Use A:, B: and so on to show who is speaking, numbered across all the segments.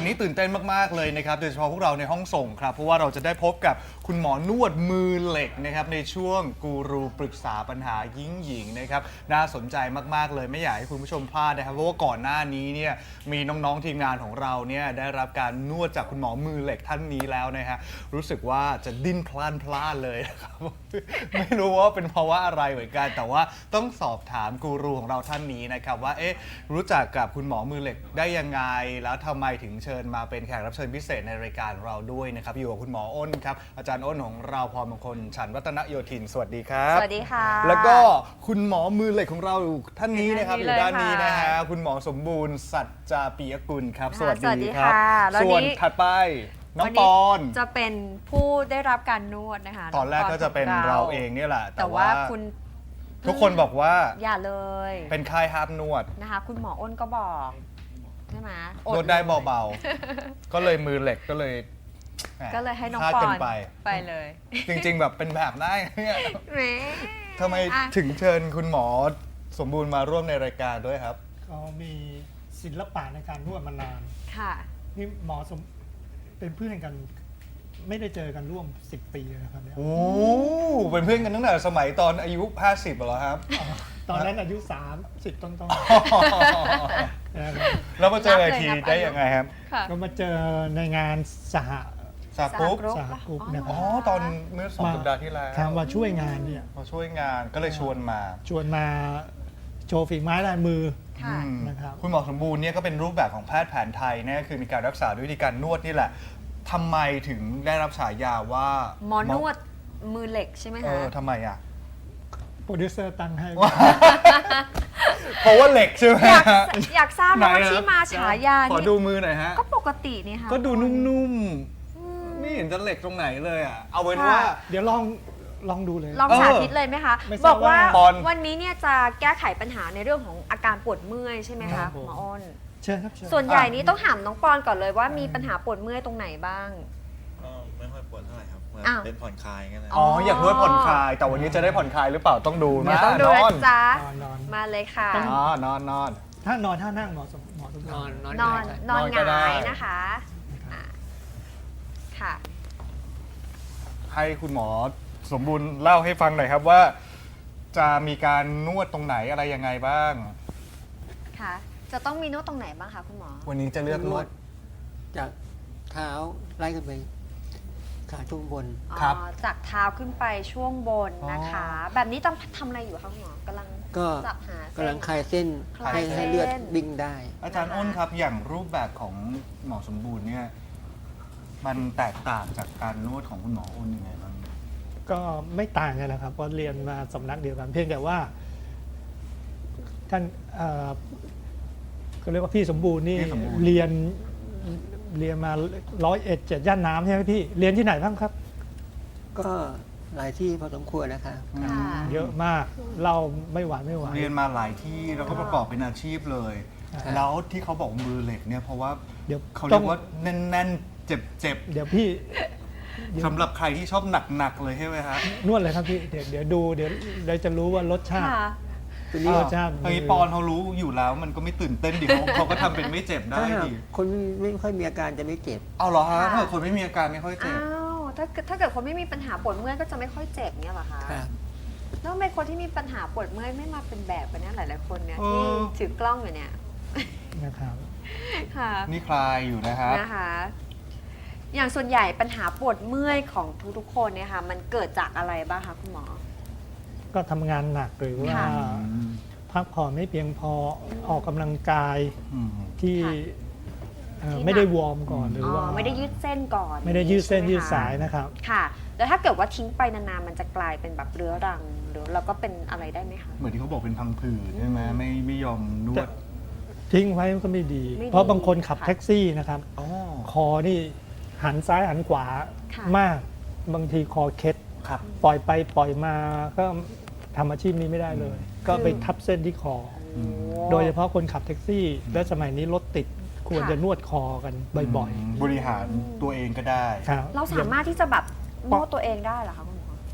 A: วันนี้ตื่นเต้นมากๆเลยนะครับโดยเฉพาะพวกเราในห้องส่งครับเพราะว่าเราจะได้พบกับคุณหมอนวดมือเหล็กนะครับในช่วงกูรูปรึกษาปัญหายิ่งหญิงนะครับน่าสนใจมากๆเลยไม่อยากให้คุณผู้ชมพลาดนะครับเพราะว่าก่อนหน้านี้เนี่ยมีน้องๆทีมงานของเราเนี่ยได้รับการนวดจากคุณหมอมือเหล็กท่านนี้แล้วนะฮะรู้สึกว่าจะดิ้นพล่านเลยนะครับ ไม่รู้ว่าเป็นเพราะว่าอะไรเหมือนกันแต่ว่าต้องสอบถามกูรูของเราท่านนี้นะครับว่ารู้จักกับคุณหมอมือเหล็กได้ยังไงแล้วทำไมถึงเชิญมาเป็นแขกรับเชิญพิเศษในรายการเราด้วยนะครับอยู่กับคุณหมออ้นครับอาจารย์อ้นของเราพรมงคลฉันท์วัฒนโยธินสวัสดีครับ
B: สวัสดีค่ะ
A: แล้วก็คุณหมอมือเหล็กของเราท่านนี้นะครับอยู่ด้านนี้นะฮะ
B: ค่ะ
A: คุณหมอสมบูรณ์สัจจาปิยกุลครับ
B: ค่ะ
A: สวัส
B: สวัสดี
A: ดีครับ
B: ค่ะแล้ว
A: ส่วน
B: นี้
A: ถัดไปน้องปอน
B: จะเป็นผู้ได้รับการนวดนะคะ
A: ตอนแรกก็จะเป็น
B: องป
A: เราเองเนี่ยแหละ
B: แต่ว่าคุณ
A: ทุกคนบอกว่า
B: อย่าเลย
A: เป็นค่ายห้ามนวด
B: นะคะ คุณหมออ้นก็บอกใช่ไหม
A: นวดได้เบาๆ ก็เลยมือเหล็กก็เลยแหม
B: ก็เลยให้น้อง
A: คาด
B: ปอ
A: กัน
B: น
A: ไป
B: ไปเลย
A: จริงๆ แบบเป็นแบบได้เนี่ย
B: แหม
A: ทำไม
B: อ่ะ
A: ถึงเชิญคุณหมอสมบูรณ์มาร่วมในรายการด้วยครับ
C: เขามีศิลปะในการนวดมานาน
B: ค่ะ
C: นี่หมอเป็นเพื่อนกัน ไม่ได้เจอกันร่วม 10 ปีเลยนะครับเนี่ย
A: โอ้เป็นเพื่อนกันตั้งแต่สมัยตอนอายุ 50เหรอครับ
C: ตอนนั้นอายุ 30 ต้นๆนะครับ
A: แล้วมาเจอ
B: นับเลย
A: ที
B: นับ
A: ได้
B: อายุ
A: ยังไงครับ
B: ค่ะ
C: ก็มาเจอในงานสห
A: สากุ๊ก
B: สห
C: กรุ๊ปนะครับ
A: อ๋อตอนเมื่อ2 สัปดาห์ที่แล้ว
C: ทางมาช่วยงานเนี่ย
A: มาช่วยงานก็เลยชวนมา
C: ชวนมาโชว์ฝีไม้ลายมือ
B: ค่ะ
A: อืม
C: นะครับ
A: คุณหมอสมบูรณ์เนี่ยก็เป็นรูปแบบของแพทย์แผนไทยเนี่ยคือมีการรักษาด้วยวิธีการนวดนี่แหละทำไมถึงได้รับฉายาว่า
B: หมอนวดมือเหล็กใช่ไหมคะ
A: ทำไมอ่ะ
C: โปรดิวเซอร์ตั้งให้
A: เพราะว่าเหล็กใช่ไหม
B: อยาก
A: ฮะ
B: อยากทราบ
A: ไหน
B: ว่า
A: อะ
B: ที่มาฉายา
A: ขอ
B: นี่
A: ดูมือหน่อยฮะ
B: ก็ปกตินี่ค่ะ
A: ก็ดูนุ่มๆไม่เห็นจะเหล็กตรงไหนเลยอ่ะเอาเป็นว่า
C: เดี๋ยวลองดูเลย
B: ลองสาธิตเลยไหมคะ
C: ไม่ท
B: บ
C: รา
B: อบ กว่า
C: ว่า
A: ปอน
B: วันนี้เนี่ยจะแก้ไขปัญหาในเรื่องของอาการปวดเมื่อยใช่ไหม
C: ครั
B: คะ
C: บผม
B: หมออ้น
C: เชิญครับเชิญ
B: ส่วนใหญ่นี้ต้องถามน้องปอนก่อนเลยว่ามีปัญหาปวดเมื่อยตรงไหนบ้าง
D: ก็ไม่ค่อยปวดเท่าไหร่ครับเหมือน
B: อ้าว
D: เป็นผ่อนคลายกันนะ
A: อ๋ออยากนวดผ่อนคลาย แต่วันนี้จะได้ผ่อนคลายหรือเปล่าต้องดู
B: เดี๋ย
A: นะ
B: วต้องดู
A: นอ
B: นะ
A: น
B: จ๊ะ
C: นอน
B: มาเลยค่ะ
A: อ๋อนอนนอน
C: ถ้านอนท่านั่งหมอสมบูรณ์
B: นอน
A: นอน
B: ห
A: ก็ได้
B: งายนะคะอ่ะค่ะ
A: ให้คุณหมอสมบูรณ์เล่าให้ฟังหน่อยครับว่า จะมีการนวดตรงไหนอะไรยังไงบ้าง
B: ค่ะ จะต้องมีนวดตรงไหนบ้างคะคุณหมอ
A: วันนี้จะเลือกนวด
E: จากเท้าไล่ขึ้นไปขาช่วงบน
A: ครับ
B: อ๋อจากเท้าขึ้นไปช่วงบนนะคะ แบบนี้ต้องทำอะไรอยู่คะคุณหมอกำลัง
E: ก็
B: จับหาเส้น
E: กำลังคลายเส้น
B: คลายเส้น
E: ให้เลือดวิ่งได้
A: อาจารย์อ้นครับอย่างรูปแบบของหมอสมบูรณ์เนี่ยมันแตกต่างจากการนวดของคุณหมออ้นยังไงบ้าง
C: ก็ไม่ต่างกันนะครับเพราะเรียนมาสำนักเดียวกัน เพียงแต่ว่าท่านก็เรียกว่าพี่สมบูรณ์นี่
A: พี่สมบูรณ์
C: เรียนมา101 7 ย่านน้ำใช่ไหมพี่เรียนที่ไหนบ้างครับ
E: ก็หลายที่พอสมควรนะคะ
B: ค่ะ
C: เยอะมากเล่าไม่หวานไม่ไหว
A: เรียนมาหลายที่แล้วก็ประกอบเป็นอาชีพเลย
E: ครับ
A: แล้วที่เขาบอกมือเหล็กเนี่ยเพราะว่า
C: เดี๋ยว
A: เขา
C: ต้
A: เรี
C: อย ง
A: กว่าแน่นๆ เจ็บ
C: เดี๋ยวพี่
A: ๆสำหรับใครที่ชอบหนักๆเลยใช่ไหมฮะ
C: นวดเลยครับพี่เดี๋ยวดูเดี๋ยวจะรู้ว่ารสชาติ
B: ค่ะ
E: ตัวนี้
C: รสชาติ
A: ไอ้ปอนเขารู้อยู่แล้วมันก็ไม่ตื่นเต้นดิเขาก็ทำเป็นไม่เจ็บได้
E: ถ้าหาก
A: ดิ
E: คนไม่ค่อยมีอาการจะไม่เจ็บ
A: เอาเหรอฮะ
B: ค่ะ
A: ถ้าเกิดคนไม่มีอาการไม่ค่อยเจ็
B: อ้า
A: บ
B: วถ้าเกิดคนไม่มีปัญหาปวดเมื่อยก็จะไม่ค่อยเจ็บเนี่ยเหรอคะ
E: ครับ
B: แล้วทำไมคนที่มีปัญหาปวดเมื่อยไม่มาเป็นแบบกันเนี่ยหลายๆคนเนี่ย
A: เอ
B: ที่
A: อ
B: ถือกล้องอยู่เนี่ย
C: นะครับ
B: ค่ะ
A: นี่คลายอยู่นะครับ
B: นะคะ อย่างส่วนใหญ่ปัญหาปวดเมื่อยของทุกๆคนเนี่ยค่ะ มันเกิดจากอะไรบ้างคะคุณหมอ
C: ก็ทำงานหนักหรือว่า
B: ค่ะ
C: พักผ่อนไม่เพียงพอออกกำลังกาย
A: อืม
C: ที่
B: ค่ะ ที่
C: ไม่ได้วอร์มก่อนหรือ
B: อ๋อ
C: ว่า
B: ไม่ได้ยืดเส้นก่อน
C: ไม่ได้ยืดเส้น
B: ใช่ไหม
C: ยืด
B: คะ
C: สายนะครับ
B: ค่ะ แล้วถ้าเกิดว่าทิ้งไปนานๆมันจะกลายเป็นแบบเรื้อรังหรือเราก็เป็นอะไรได้ไหมคะ
A: เหมือนที่เขาบอกเป็นพังผืดใช่ไหมไม่ยอมนวด
C: ทิ้งไว้ก็ไม่ดี
B: ไม่ดี
C: เพราะบางคนขับ
B: ค่ะ
C: แท็กซี่นะครับ
A: อ๋อ
C: คอนี่หันซ้ายหันขวา
B: ค่ะ
C: มาก บางทีคอเคล็ด
A: ครับ
C: ปล่อยไปปล่อยมาก็ทำอาชีพนี้ไม่ได้เลย ก็ไปทับเส้นที่คอ
B: โอ้
C: โดยเฉพาะคนขับแท็กซี่ และสมัยนี้รถติดควร
B: ค่ะ
C: จะนวดคอกันบ่อย
A: บริหารตัวเองก็ได้
C: ๆครับ
B: เราสามารถที่จะแบบนวดตัวเองได้เหรอคะคุณหมอ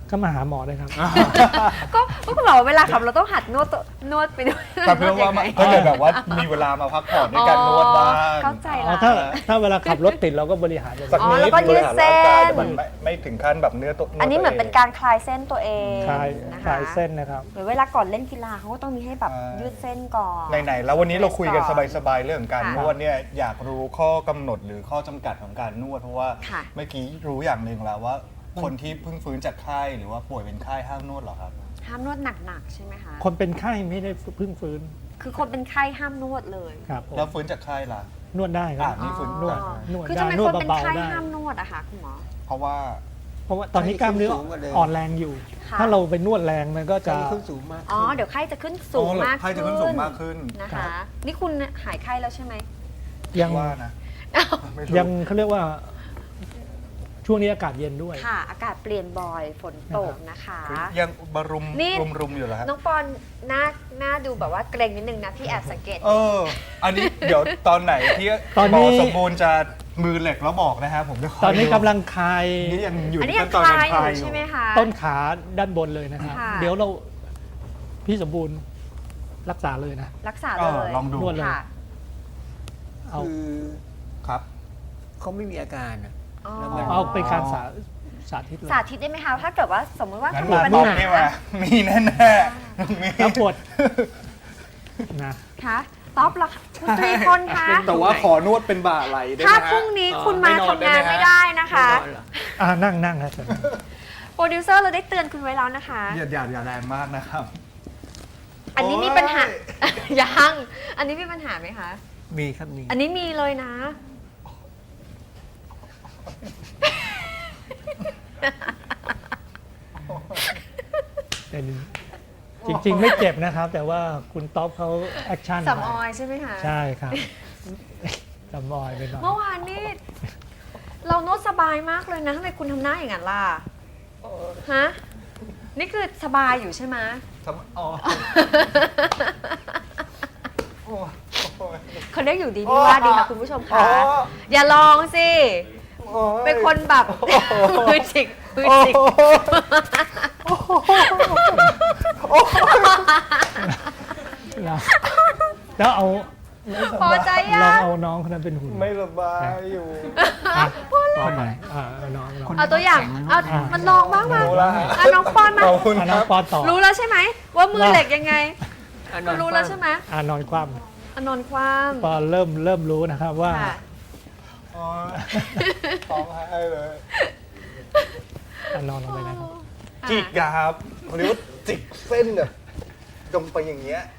C: ก็มาหาหมอเลยครับ
B: ก็คุณหมอเวลาขับเราต้องหัดนวดไปด้วย
A: แต่เพื่อว่ามันก็เลยแบบว่ามีเวลามาพักผ่อนด้วยการนวดบ้าง
B: เข้าใจ
C: อ๋อ
B: ละ
C: ถ้าเวลาขับรถติดเราก็บริหารอย่าง
A: สัก
C: นี้
A: นิด
B: แล้วก็ยืดเส้น
A: บริหารร่างกายแต่มันไม่ถึงขั้นแบบเนื้อตัว
B: อันนี้เหมือนเป็นการคลายเส้นตัวเอง
C: คลาย
B: นะ
C: ค
B: คะ
C: ลายเส้นนะครับ
B: หรือเวลาก่อนเล่นกีฬาเขาก็ต้องมีให้แบบยืดเส้นก่อน
A: ไหนๆแล้ววันนี้เราคุยกันสบายๆเรื่องของการ
B: ค่ะ
A: นวดเนี่ยอยากรู้ข้อกำหนดหรือข้อจำกัดของการนวดเพราะว่า
B: ค่ะ
A: เมื่อกี้รู้อย่างหนึ่งแล้วว่า คนที่เพิ่งฟื้นจากไข้หรือว่าป่วยเป็นไข้ห้ามนวดเหรอครับ
B: ห้ามนวดหนักๆใช่ไหมคะ
C: คนเป็นไข้ไม่ได้เพิ่งฟื้น
B: คือคนเป็นไข้ห้ามนวดเลย
C: ครับผม
A: แล้วฟื้นจากไข้ล่ะ
C: นวดได้ครั
A: อ่า
C: บ
A: นี่ฟื้น
C: นวด
B: อ๋อน
C: วด
B: คือ
C: ได้
B: ทำไม
C: นว
B: ค
C: ด
B: นเป็น
C: เบา
B: ไข้
C: ๆได้
B: ห้ามนวดอะคะคุณหมอ
A: เพราะว่า
C: เพราะว่าตอนนี้กล้ามเนื้อ
E: สูงกว่าเดิม
C: อ่อนแรงอยู่
B: ค่ะ
C: ถ้าเราไปนวดแรงมันก็
E: จะ
C: จะ
E: ขึ้นสูงมาก
B: อ๋อ
E: ขึ้น
B: เดี๋ยวไข้จะขึ้นสูงมาก
A: ไข้จะขึ้นสูงมากขึ้น
B: นะ
C: ครั
B: คะ
C: บ
B: นี่คุณหายไข้แล้วใช่ไหม
C: ยัง
A: ว่านะไม่รู้
C: ยังเขาเรียกว่า ช่วงนี้อากาศเย็นด้วย
B: ค่ะ อากาศเปลี่ยนบ่อยฝนตกนะคะ
A: ยังบรุม
B: นี่
A: รุมอยู่เหรอฮะ
B: น้องปอนหน้าดูแบบว่าเกรงนิดนึงนะ พี่แอบสังเกต
A: อันนี้เดี๋ยวตอนไหนที่
C: ตอน
A: หม
C: นี้
A: อสมบูรณ์จะมือเหล็กแล้วบอกนะฮะผมจะคอย
C: ตอนนี้
A: ดู
C: กำลังคลาย
A: นี่ยังอยู่
B: อัน
A: ใน
B: นี้ยั
A: ขั้
B: ง
A: นตอน
B: ค
A: การ
B: ลาย
A: คลาย
B: อยู่
A: อยู่
B: ใช่ไหมคะ
C: ต้นขาด้านบนเลยนะครับ
B: ค่ะ
C: เดี๋ยวเราพี่สมบูรณ์รักษาเลยนะ
B: รักษาเลย
A: ลองดู
C: นวดเลย
B: ค่ะ
C: เอา
E: คือ
A: ครับ
E: เขาไม่มีอาการอะ
B: อ๋อ
E: แล้วมัน
C: เอาเป็นการสาธิตเลย
B: สาธิตได้ไหมคะ ถ้าเกิดว่าสมมติว่า
A: งั้น
B: คุณ
A: มา
B: ปัญ
A: ตอบ
B: หา
A: นี่มามีแน่ๆต้องมี
C: แล้วปวดนะ
B: คะต๊อปละคุณตรีพลคะ
A: แต่ว่าขอนวดเป็นบ่าไหลได้ไหม
B: ถ้า
A: ฮะ
B: พรุ่งนี้คุณมา
A: ไม่นอน
B: ทำงาน
A: ได้ไหมฮะ
B: ไม่ได้นะคะ
E: ไม่นอนเหรอ
C: นั่งครับ
B: โปรดิวเซอร์เราได้เตือนคุณไว้แล้วนะคะ
A: อย่าแรงมากนะครับ
B: อันนี้มีปัญหา ยัง อันนี้มีปัญหาไหมคะ
E: มีครับมี
B: อันนี้มีเลยนะ
C: เป็นจริงๆ ไม่เจ็บนะครับ แต่ว่าคุณต๊อปเขาแอคชั่น
B: สำออยใช่ไหมคะ
C: ใช่ครับสำออยไปหน่อย
B: เมื่อวานนี่เรานวดสบายมากเลยนะทำไมคุณทำหน้าอย่างนั้นล่ะ ฮะ นี่คือสบายอยู่ใช่ไหม
A: อ๋อ
B: เขาเรียกอยู่ดีไม่ว่าดีค่ะคุณผู้ชม
A: อ๋
B: คะ
A: อ
B: อย่าลองสิ เป็นคนแบบมือจิกมือจิก
C: แล้วเอา
B: พอใจยัง
C: ลองเอาน้องคนนั้นเป็นหุ่น
A: ไม่สบายอยู่
C: ต่อไปเอาน้อง
B: เอาตัวอย่าง เอามันลองบ้างมา
A: รู้แล้วฮะ
B: อ่ะน้องปอนมา
A: ขอบคุณ
C: เอา
A: ค
C: น้อ
A: รั
C: ง
A: บ
C: ปอนต่อ
B: รู้แล้วใช่ไหม ว่ามือเหล็กยังไง
E: อ่ะ
B: คุณรู้แล้วใช่ไหม
C: นอนคว่
B: อ่ะนอนคว่
C: ำปอนเริ่มรู้นะครับว่า
B: ำค่ะ
A: อ๋อร้องไห้เลย
C: นอนลงไปนะครับ
A: จิกอะครับเรียกว่าจิกเส้นแบบลงไปอย่างเงี้ย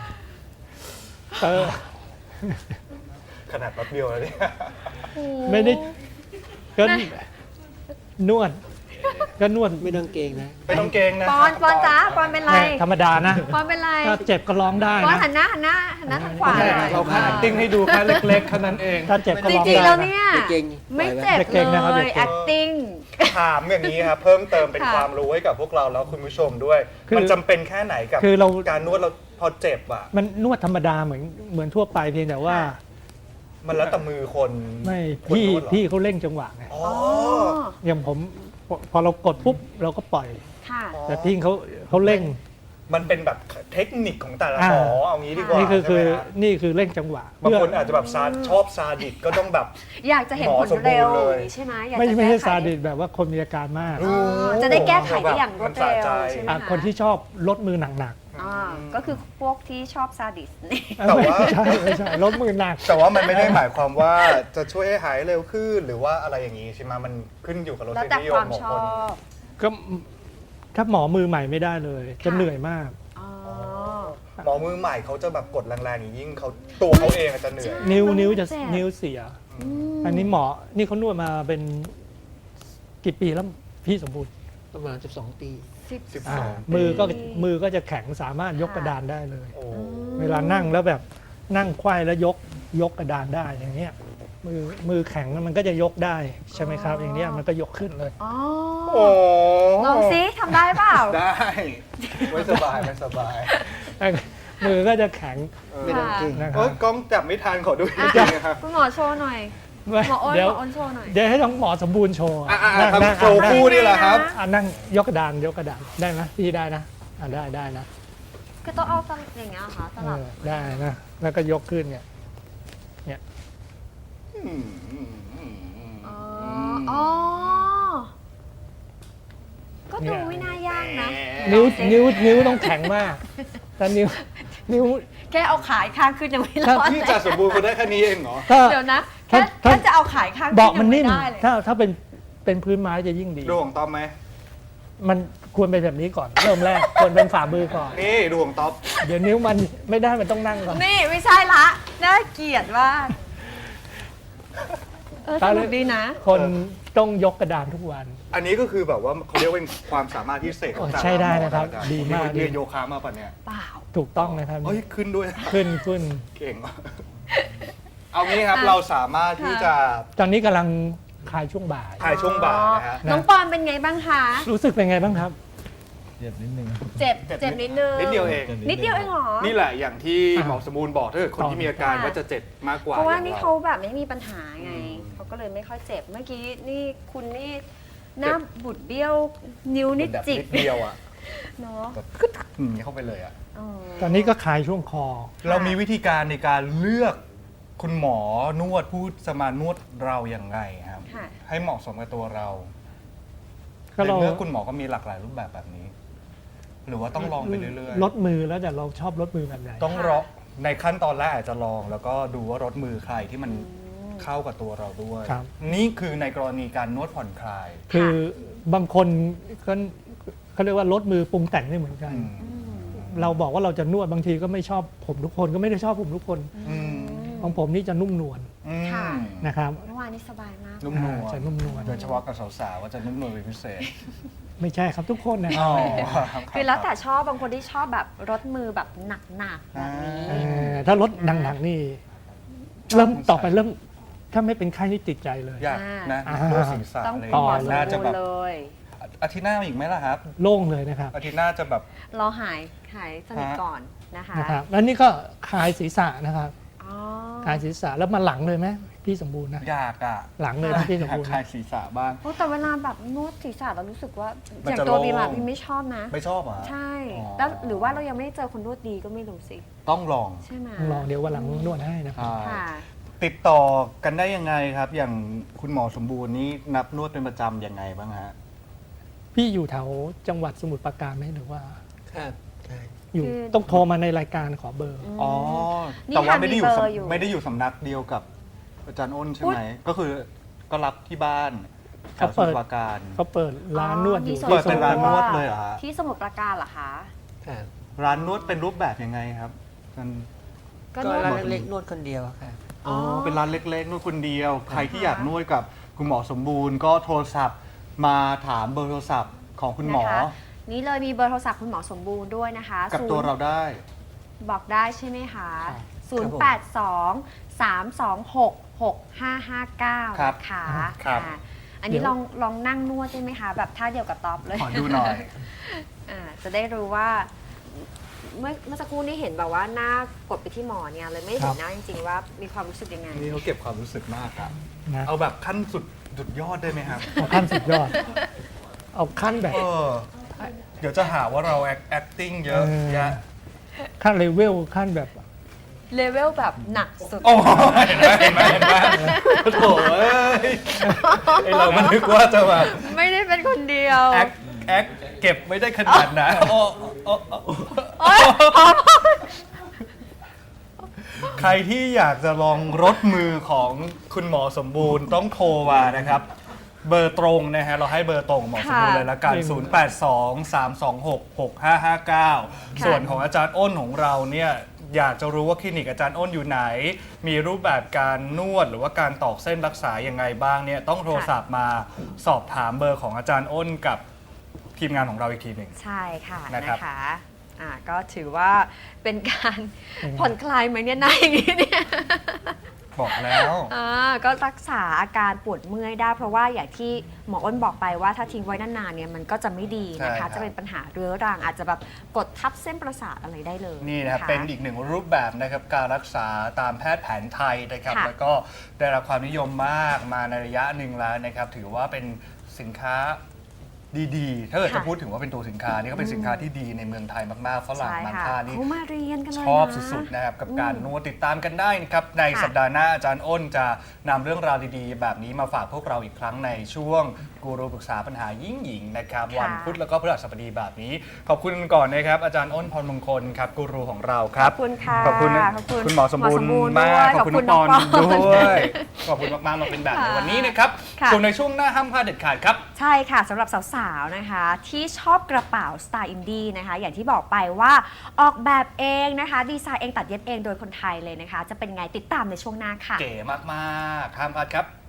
A: ขนาดแป๊บเดียวแล้วเนี่ย
C: ไม่ได้ก็นวด ก็นวด
E: ไม่ต้องเกรงนะ
A: ไม่ต้องเกรงนะ
B: ปอนจ้าปอนเป็นไร
C: ธรรมดานะ
B: ปอนเป็นไร
C: ถ้าเจ็บก็ร้องได้
B: ปอน
C: นะ
B: หันหน้าทางขวา
C: ใช่
B: หน่อย
A: เราแค่ acting ให้ดูแค่เล็กๆแค่นั้นเอง
C: ถ้าเจ็บก็
B: จ
C: ร้อง
B: ริงๆ
C: ได้
B: แล้ว
C: นะ
B: เนี่ย
E: อย่าเกรง
B: ไม่
E: ปล่อยไว้
B: เจ็บ
C: อย่าเกรงนะครับ
B: เล
C: อย่ายเกรง
B: acting
A: ถามอย่างนี้ครับ เพิ่มเติมเป็น
B: ค่ะ
A: ความรู้ให้กับพวกเราแล้วคุณผู้ชมด้วย
C: คือ
A: มันจำเป็นแค่ไหนกับ
C: คือเรา
A: การนวดเราพอเจ็บอ่ะ
C: มันนวดธรรมดาเหมือนทั่วไปเพียงแต่ว่า
A: มันแล้วแต่มือคน
C: ไม่
A: คน
C: พี่
A: นวดเหรอ
C: พี่เขาเร่งจังหวะไง
A: อ๋อ
B: อ๋อ
C: อย่างผมพอเรากดปุ๊บเราก็ปล่อย
B: ค่ะ
C: แต่พี่เขาเร่ง
A: มันเป็นแบบเทคนิคของแต่ละ
C: อ่า
A: หมอเอางี้ดีกว่า
C: นี่คือ
A: ใช่ไหมฮะ
C: นี่คือเร่งจังหวะ
A: บางคน
C: เพื่
A: อาจจะแบบชอบซาดิสก็ต้องแบบ
B: อยากจะเห็น
A: หมอ
B: ผล
A: สมบูรณ์
B: เร็ว
A: เลย
B: ใช่ไหมอยาก
C: ไม่
B: จะ
C: ไม่ใช่
B: แก้ไข
C: ซาดิสแบบว่าคนมีอาการมาก
B: อ๋อจะได้แก้ไขได้อย่างรวดเร็ว
A: มันสะใจ
B: ใช่ไหม
C: คนที่ชอบลดมือหนัก
B: อ่าก็คือพวกที่ชอบซาดิสนี่
C: ๆ
A: แต่ว่า
C: ไม่ใช่ลดมือหนัก
A: แต่ว่ามันไม่ได้หมายความว่าจะช่วยให้หายเร็วขึ้นหรือว่าอะไรอย่างนี้ใช่ไหมมันขึ้นอยู่กับรส
B: แล้วแต่
A: นิย
B: ค
A: ม
B: วาม
A: ของ
B: ช
A: ค
B: อน บ
C: ก็ถ้าหมอมือใหม่ไม่ได้เลย จะ
B: ค่ะ
C: เหนื่อยมาก
B: อ๋อ
A: หมอมือใหม่เขาจะแบบกดแรงๆอย่างยิ่งเขาตัวเขาเองอาจจะเหนื่อย
C: นิ้วจะ
B: เจ็บ
C: นิ้วเสีย
B: อืม
C: อันนี้หมอนี่เขานวดมาเป็นกี่ปีแล้วพี่สมบูรณ์
E: ประมาณ12 ปี
A: 12
C: อ่า
A: ปี
C: มือก็จะแข็งสามารถยกกระดานได้เลย
A: โอ้
C: เวลานั่งแล้วแบบนั่งไขว้แล้วยกกระดานได้อย่างเงี้ยมือแข็งมันก็จะยกได้ใช่ไหมครับ อย่างเนี้ยมันก็ยกขึ้นเลย
B: อ๋อ
A: โอ้
B: ลองซิทำได้เปล่า
A: ได้ไม่สบายไม่สบาย
C: มือก็จะแข็ง
E: ไม่ต้องเกรง
C: นะค
A: เอ้
C: รั
A: ย
C: บ
A: กล้องจับไม่ทันขอดู
B: อ่ะ
A: จริงๆนะครับ
B: คุณหมอโชว์หน่อย
C: ไม่
B: หมออ้น
C: เดี๋ยว
B: หมออ้นโชว์หน่อย
C: เดี๋ยวให้น้องหมอสมบูรณ์โชว์
A: ครับ
C: นั่ง
A: โชว์คู่นี่แหละครับ
C: นั่งยกกระดานได้ไหมพี่ได้นะได้นะ
B: คือต้องเอาตลอย่างเงี้ยเหรอคะสลับ
C: ได้นะแล้วก็ยกขึ้นเนี่ย
B: อ๋อก็ดูไม่น่ายากนะ
C: นิ้วต้องแข็งมากแต่นิ้ว
B: แค่เอาขายข้างขึ้นยังไม่ร
C: ถ้า
B: อด
A: พี่
B: เลย
A: จะสมบูรณ์คนได้แค่นี้เองเหรอ
C: ถ้า
B: เดี๋ยวนะ
C: ถ้า
B: แค่จะเอาขายข้างขึ้น
C: เบาะมัน
B: ยัง
C: นิ่ม
B: ไม่ได้เลย
C: ถ้าเป็นพื้นไม้จะยิ่งดี
A: ดูของต๊อบไหม
C: มันควรเป็นแบบนี้ก่อนเริ่มแรกควรเป็นฝ่ามือก่อน
A: นี่ดูของต๊อบ
C: เดี๋ยวนิ้วมันไม่ได้มันต้องนั่งก่อน
B: นี่ไม่ใช่ละน่าเกลียดมากสนุกดีนะ
C: คนต้องยกกระดานทุกวัน
A: อันนี้ก็คือแบบว่าเขาเรียกว่าเป็นความสามารถพิเศษของ
C: ใช่ได้นะครับ
A: อาจาย์
C: ดีมาก
A: เรียนโยคะมาป่ะเนี่ย
B: เปล่า
C: ถูกต้องนะครับ
A: เฮ้ยขึ้นด้วย
C: ขึ้น
A: เก่ง เอางี้ครับเราสามารถที่จะ
C: ตอนนี้กำลังคลายช่วงบ่าย
A: ถ่ายช่วงบ่ายนะฮะ
B: น้องปอนเป็นไงบ้างคะ
C: รู้สึกเป็นไงบ้างครับ
D: เจ็บนิดนึง
B: เจ็บนิดนึง
A: นิดเดียวเอง
B: นิดเดียวเองเหรอ
A: นี่แหละอย่างที่หมอสมบูรณ์บอกถ้าเกิดคนที่มีอาการ
B: ค่ะ
A: ว่าจะเจ็บมากกว่า
B: เพราะว่า
A: อย่ง
B: นี่เขาแบบไม่มีปัญหาไง เขาก็เลยไม่ค่อยเจ็บ เมื่อกี้นี่คุณนี่หน้าบุดเบี้ยว นิ้วนี่
A: แบบ
B: จิก
A: นิดเดียวอ่ะ
B: เนาะ
A: แบบเข้าไปเลยอ่ะ
B: เออ
C: ตอนนี้ก็คลายช่วงคอ
A: เรามีวิธีการในการเลือกคุณหมอนวดผู้จะมานวดเราอย่างไรครับ
B: ค่ะ
A: ให้เหมาะสมกับตัวเรา
C: ก็เรา
A: ในเมื่อคุณหมอก็มีหลากหลายรูปแบบนี้ หรือว่าต้องลองไปเรื่อย
C: ลดมือแล้วแต่เราชอบลดมือแบบไหน
A: ๆต้องรอในขั้นตอนแรกอาจจะลอง แล้วก็ดูว่ารถมือใครที่มันเข้ากับตัวเราด้วย
C: ครับ
A: นี่คือในกรณีการนวดผ่อนคลาย
C: คือบางคนก็เขาเรียกว่าลดมือปรุงแต่งไม่เหมือนกัน เราบอกว่าเราจะนวดบางทีก็ไม่ชอบผมทุกคนก็ไม่ได้ชอบผมทุกคน
A: อืม
C: ของผมนี่จะนุ่มนวล
A: อืม
B: ค่ะ
C: นะครับ
B: เมื่อวานนี้สบายมาก
A: นุ่มนวล
C: จะนุ่มนวล
A: โดยเฉพาะกับสาวๆว่าจะนุ่มนวลเป็นพิเศษ
C: ไม่ใช่ครับทุกคนนะค
A: อ๋
C: รั
A: อบ รับ
B: คือแล้วแต่ชอบบางคนที่ชอบแบบรถมือแบบหนักๆแบบนี้
C: ถ้าลดหนักๆนี่เริ่มต่อไปเริ่มถ้าไม่เป็นไข้นี่ติดใจเลย
A: อยากนะ
C: อ่า
A: นวดศีรษะ
B: ต้อง
A: อะไร
B: คุณหมอสม
A: น่าจะ
B: บู
A: แบ
B: ร
A: บ
B: ณ์เลย
A: อาทิตย์หน้ามีอีกไหมล่ะครับ
C: โล่งเลยนะครับ
A: อาทิตย์หน้าจะแบบ
B: รอหายสนิทก่อนนะคะ
C: นะครับแล้วนี่ก็คลายศีรษะนะครับ
B: อ๋อ
C: คลายศีรษะแล้วมาหลังเลยไหมพี่สมบูรณ์นะ
A: อยากอ่ะ
C: หลังเลยนะพี่สม
A: อยาก
C: บูรณ์
A: คลาย
C: นะ
A: ศีรษะบ้าง
B: โอ้แต่เวลาแบบนวดศีรษะเรารู้สึกว่า
A: มัน
B: อย่าง
A: จะ
B: ตัว
A: โล่ง
B: บีมอะบีมไม่ชอบนะ
A: ไม่ชอบอ่ะ
B: ใช่
A: อ๋อ
B: แล้วหรือว่าเรายังไม่ได้เจอคนนวดดีก็ไม่รู้สิ
A: ต้องลอง
B: ใช่ไหม
C: ลองเดี๋ยววันหลังนวดให้นะครับ
B: ค่ะ
A: ติดต่อกันได้ยังไงครับ อย่างคุณหมอสมบูรณ์นี้นับนวดเป็นประจำยังไงบ้างฮะ
C: พี่อยู่แถวจังหวัดสมุทรปราการไหมหรือว่า
E: ครับใช่
C: อยู่
B: คือ
C: ต้องโทรมาในรายการขอเบอร์
A: อ๋อ
B: นี่
A: แต่ว่า
B: ค่ะ
A: ไม่ได้อยู่
B: มีเบอร์อยู่
A: ไม่ได้อยู่สำนักเดียวกับอาจารย์อ้นใช่ไหมก็คือก็รับที่บ้านแถวสมุทรปราการ
C: เขาเปิดร้านนวดอยู่
B: มีส่
A: เปิด
B: ตั
A: เป็นร้านนวดเลยเหรอฮะ
B: ที่สมุทรปราการเหรอคะ
E: ครับ
A: ร้านนวดเป็นรูปแบบยังไงครับมัน
B: ก็
E: ก็
B: นวด
E: ร้านเล็กๆนวดคนเดียวครับ
A: อ๋อเป็นร้านเล็กๆนวดคนเดียว ใครที่อยากนวดกับคุณหมอสมบูรณ์ ก็โทรศัพท์มาถามเบอร์โทรศัพท์ของคุณหมอ
B: นะคะนี่เลยมีเบอร์โทรศัพท์คุณหมอสมบูรณ์ด้วยนะคะ
A: กับตัวเราได้
B: บอกได้ใช่ไหมคะ 082-326-6559
A: ครับ
B: นะคะ
A: ครับ
B: อันนี้ลองนั่งนวดได้ไหมคะ แบบท่าเดียวกับต๊อปเลย
A: ขอดูหน่อย
B: จะได้รู้ว่า เมื่อสักครู่นี้เห็นแบบว่าหน้ากดไปที่หมอเนี่ยเลยไม่เห็นหน้าจริงๆว่ามีความรู้สึกยังไง
A: นี่เขาเก็บความรู้สึกมากครับ
C: นะ
A: เอาแบบขั้นสุดยอดได้ไหมครับ
C: เอาขั้นสุดยอด เอาขั้นแบบ
A: เดี๋ยวจะหาว่าเรา acting เยอะแยะ
C: ขั้นเลเวลขั้นแบบ
B: เลเวลแบบหนักสุด
A: โอ้ยเห็นไหมโถ่เอ้ยไอเรามันนึกว่าจะแบบ
B: ไม่ได้เป็นคนเดียว
A: แอคเก็บไม่ได้ขนาดนั้นโอ้โอ้โอ้
B: โอ๊ยพอ
A: ใครที่อยากจะลองรถมือของคุณหมอสมบูรณ์ต้องโทรมานะครับ เบอร์ตรงนะฮะเราให้เบอร์ตรงหมอสมบูรณ์เลยละกัน 082-326-6559 ส่วนของอาจารย์อ้นของเราเนี่ยอยากจะรู้ว่าคลินิกอาจารย์อ้นอยู่ไหน มีรูปแบบการนวดหรือว่าการตอกเส้นรักษายังไงบ้างเนี่ยต้องโทรศัพท์มาสอบถามเบอร์ของอาจารย์อ้นกับทีมงานของเราอีกทีหนึ่ง
B: ใช่ค่ะ
A: นะครับ
B: นะคะก็ถือว่าเป็นการผ่อนคลายไหมเนี่ยหน้าอย่างนี้เนี่ย
A: บบอกแล้ว
B: ก็รักษาอาการปวดเมื่อยได้เพราะว่าอย่างที่หมออ้นบอกไปว่าถ้าทิ้งไว้นานๆเนี่ยมันก็จะไม่ดีนะ
A: ใช่ครั
B: คะ
A: บ
B: จะเป็นปัญหาเรื้อรังอาจจะแบบกดทับเส้นประสาทอะไรได้เลย
A: นี่นะครับเป็นอีกหนึ่งรูปแบบนะครับการรักษาตามแพทย์แผนไทยนะครับ
B: ค่ะ
A: แล้วก็ได้รับความนิยมมากมาในระยะหนึ่งแล้วนะครับถือว่าเป็นสินค้าดีๆ ถ้าเกิดจะพูดถึงว่าเป็นตัวสินค้านี่ก็เป็นสินค้าที่ดีในเมืองไทยมากๆฝรั่ง
B: ใช่
A: บาง
B: ค่ะ
A: ท่านี่
B: เขามาเรียนกันเลย
A: ชอบ
B: นะ
A: สุดๆนะครับกับการนวดติดตามกันได้นะครับใน
B: ค่ะ
A: สัปดาห์หน้าอาจารย์อ้นจะนำเรื่องราวดีๆ แบบนี้มาฝากพวกเราอีกครั้งในช่วงกูรูปรึกษาปัญหายิ่งหญิงนะครับ
B: ค่ะ
A: วันพุธแล้วก็พฤหัสบดีแบบนี้ ขอบคุณก่อนนะครับอาจารย์อ้นพรมงคลครับกูรูของเราค
B: ข
A: รับ
B: อบคุณค่ะ
A: ขอบคุณนะ
B: ขอบคุณ
A: คุณหมอสมบูรณ์
B: หมอสมบูรณ์
A: มาก
B: ด้วย
A: ขอบคุณ
B: ขอบคุณ
A: น้องปอน
B: น้องปอน
A: ด้วยขอบคุณมากๆมาเป็นแบบในวันนี้นะครับ
B: ค่ะ
A: ส่วนในช่วงหน้าห้ามพลาดเด็ดขาดครับ
B: ใช่ค่ะสำหรับสาวๆนะคะที่ชอบกระเป๋าสไตล์อินดี้นะคะอย่างที่บอกไปว่าออกแบบเองนะคะดีไซน์เองตัดเย็บเองโดยคนไทยเลยนะคะ จะเป็นไงติดตามในช่วงหน้าค่ะ
A: เก๋มากๆห้ามพลาดครับ